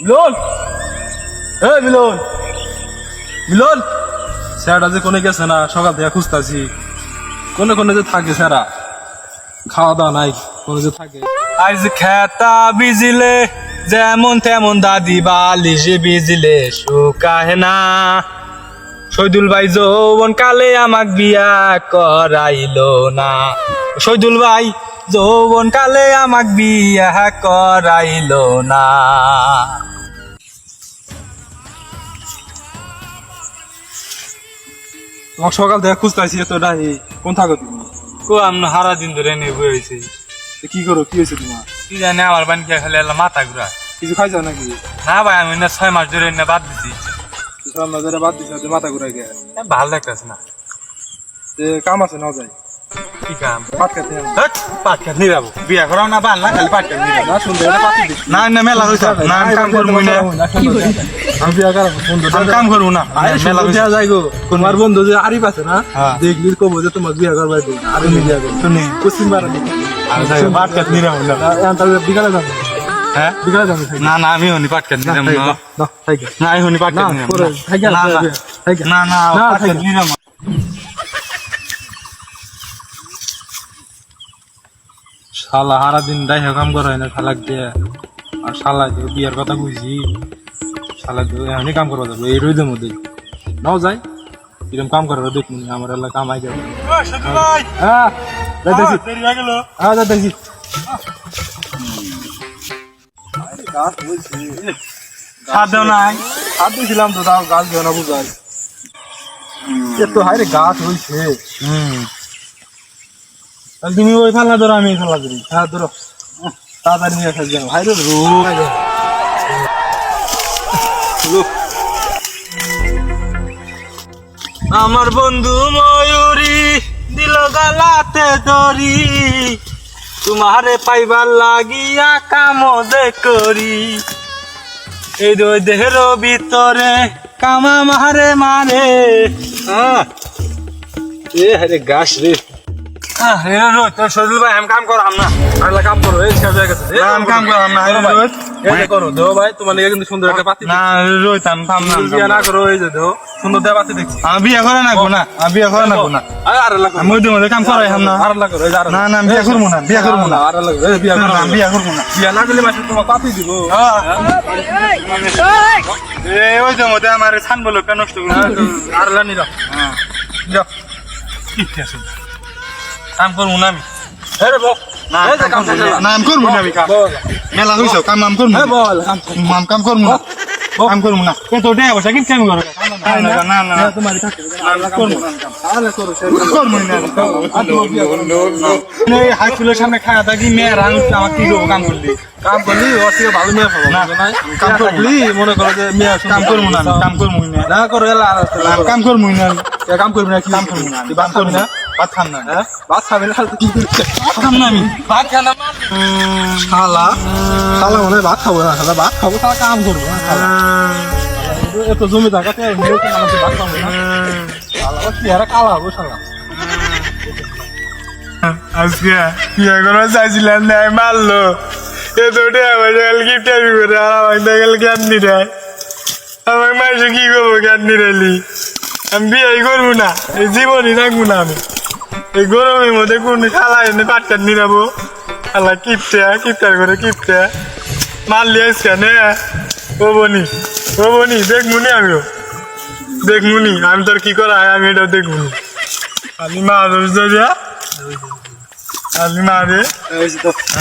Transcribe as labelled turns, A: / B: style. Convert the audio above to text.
A: মিলন এই মিলন মিলন স্যারটা যে কোনে গেছে না সকাল থেকে খুঁজতেছি কোনে কোনে যে থাকে স্যারা খাওয়া দাওয়া নাই কোনে যে থাকে আজ খেতা বিজিলে যেমন তেমন দাদি বালিশে বিজিলে শুকায় না শহীদুল ভাই যৌবন কালে আমাক বিয়া করাইলো না শহীদুল ভাই যৌবন কালে আমাক বিয়া করাইলো না তোমাকে সকাল থেকে খুঁজতেছি তো নাই কোন থাকো তুমি
B: কো আমরা সারা দিন ধরে নিয়ে বইছি
A: কি করো কি হয়েছে তোমার
B: কি জানি আমার বান কে খালি এলা মাথা ঘুরা
A: কিছু খাইছো নাকি
B: না ভাই আমি না 6 মাস ধরে না বাদ দিছি
A: সব নজরে বাদ দিছে মাথা ঘুরাই গে
B: ভাল লাগতেছে না
A: কাম আছে না যাই
B: কি কাম
A: পাট খেতে
B: হট পাটকে নিয়ে যাবো বিয়া করাও না বাল না খালি পাটকে নিয়ে যাবো
A: না সুন্দর এটা পাতি দিস
B: না না মেলা হইছে না আমি কাম করব না
A: আমি বিয়া করাবো সুন্দর
B: আমি কাম করব না
A: মেলা হইছে যাই গো তোমার বন্ধু যে আরিফ আছে না দেখলি কব যে তোমার বিয়া করবাই দিই আর আমি বিয়া করব
B: শুনি
A: কুসিম বারে
B: আর যাই পাটকে নিয়ে যাবো না
A: এখন বিকালে যাবো
B: হ্যাঁ
A: বিকালে যাবো
B: না না আমি হনি পাটকে নিয়ে যাবো না
A: না থাইকে
B: না আমি হনি পাটকে নিয়ে যাবো না না না পাটকে নিয়ে যাবো
A: শালা সারা দিন দাই কাম করা হয় না শালাক দিয়ে আর শালা বিয়ার কথা বুঝি শালা এখনই কাম করবা যাবো এই রোদের মধ্যে নাও যাই এরকম কাম করার দেখুন আমার এলাকা কামাই যাবে হ্যাঁ যাইতেছি হ্যাঁ যাইতেছি
B: সাদ দাও নাই
A: হাত দিয়েছিলাম তো তাও গাছ দেওয়া না বুঝাই এত হাইরে গাছ হয়েছে
B: তুমি ওই ফালা ধরো আমি ফালা ধরি
A: হ্যাঁ ধরো তাড়াতাড়ি নিয়ে আসা যাও হাইরে রোগ
B: আমার বন্ধু ময়ূরী দিল গালাতে দড়ি তোমারে পাইবার লাগিয়া কামদে করি এই দুই দেহের ভিতরে কামা মারে মারে
A: এ হাইরে গাছ রে
B: তোর শরীর ভাই আমি কাম করাম না
A: আরেকটা কাম করো এই শেষ হয়ে গেছে
B: আমি কাম করাম না
A: এই যে করো দেও ভাই তোমার লিগে কিন্তু সুন্দর একটা পাতি
B: না রোহিত আমি পাম না
A: বিয়া না করো এই যে দেও সুন্দর দেয়া পাতি দেখছি
B: আমি বিয়ে করে না না আমি বিয়ে করে না
A: আর লাগো
B: আমি ওই মধ্যে কাম করাই হাম না
A: আর লাগো এই আর
B: না না আমি বিয়ে করবো না বিয়ে করবো না
A: আর লাগো এই বিয়া করো
B: আমি বিয়ে করবো না
A: বিয়া না করলে মাসে তোমার পাতি দিব
B: ওই যে মধ্যে আমার ছান বলো কেন নষ্ট করে
A: আর লানি রাখ
B: যাও ঠিক আছে কাম করবো না আমি
A: আরে বল
B: না
A: এই যে কাম করো
B: না আমি করবো না আমি কাম মেলা হইছো কাম আমি করবো
A: হ্যাঁ বল
B: কাম করবো না কাম করবো না তো ওটাই অবস্থা কিন্তু কাম করো না না না
A: তোমারই থাকে
B: করবো
A: আরে করো
B: করবো না হাই স্কুলের সামনে খাওয়া থাকি মেয়ের আমার কি করবো কাম করলি
A: কাম করলি ওর থেকে ভালো মেয়ে পাবো
B: না
A: কাম করলি মনে করো যে মেয়ে
B: কাম করবো না কাম করবো না
A: না করো এলা আর
B: কাম করবো না
A: কাম করবি না কি
B: কাম করবো না
A: কি বাদ খাবি না
B: ভাত খাম না
A: হ্যাঁ বাদ খাবি না কি করছিস
B: ভাত খাম না আমি ভাত খাম না
A: শালা শালা মনে হয় ভাত খাবো না শালা ভাত খাবো শালা কাম করবো না শালা এত জমি থাকাতে আমাদের ভাত খাবো না শালা কি আর কালা হবো শালা
B: আজকে বিয়ে করা চাইছিলাম না মারলো এ তো আমার গিফটারি করে আর আমার গেল জ্ঞানী রায় আমার মাসে কি করবো জ্ঞানী রাইলি আমি বিয়ে করবো না এই জীবনই রাখবো না আমি এই গরমের মধ্যে কোন খালা এনে পাটকার নিরাবো খালা কিপটা করে কিপটা মারলি আজকে নে ও বনি দেখবুনি আমিও দেখবুনি আমি তোর কি করা হয় আমি এটাও দেখবুনি আমি মা দিয়া আমি মা রে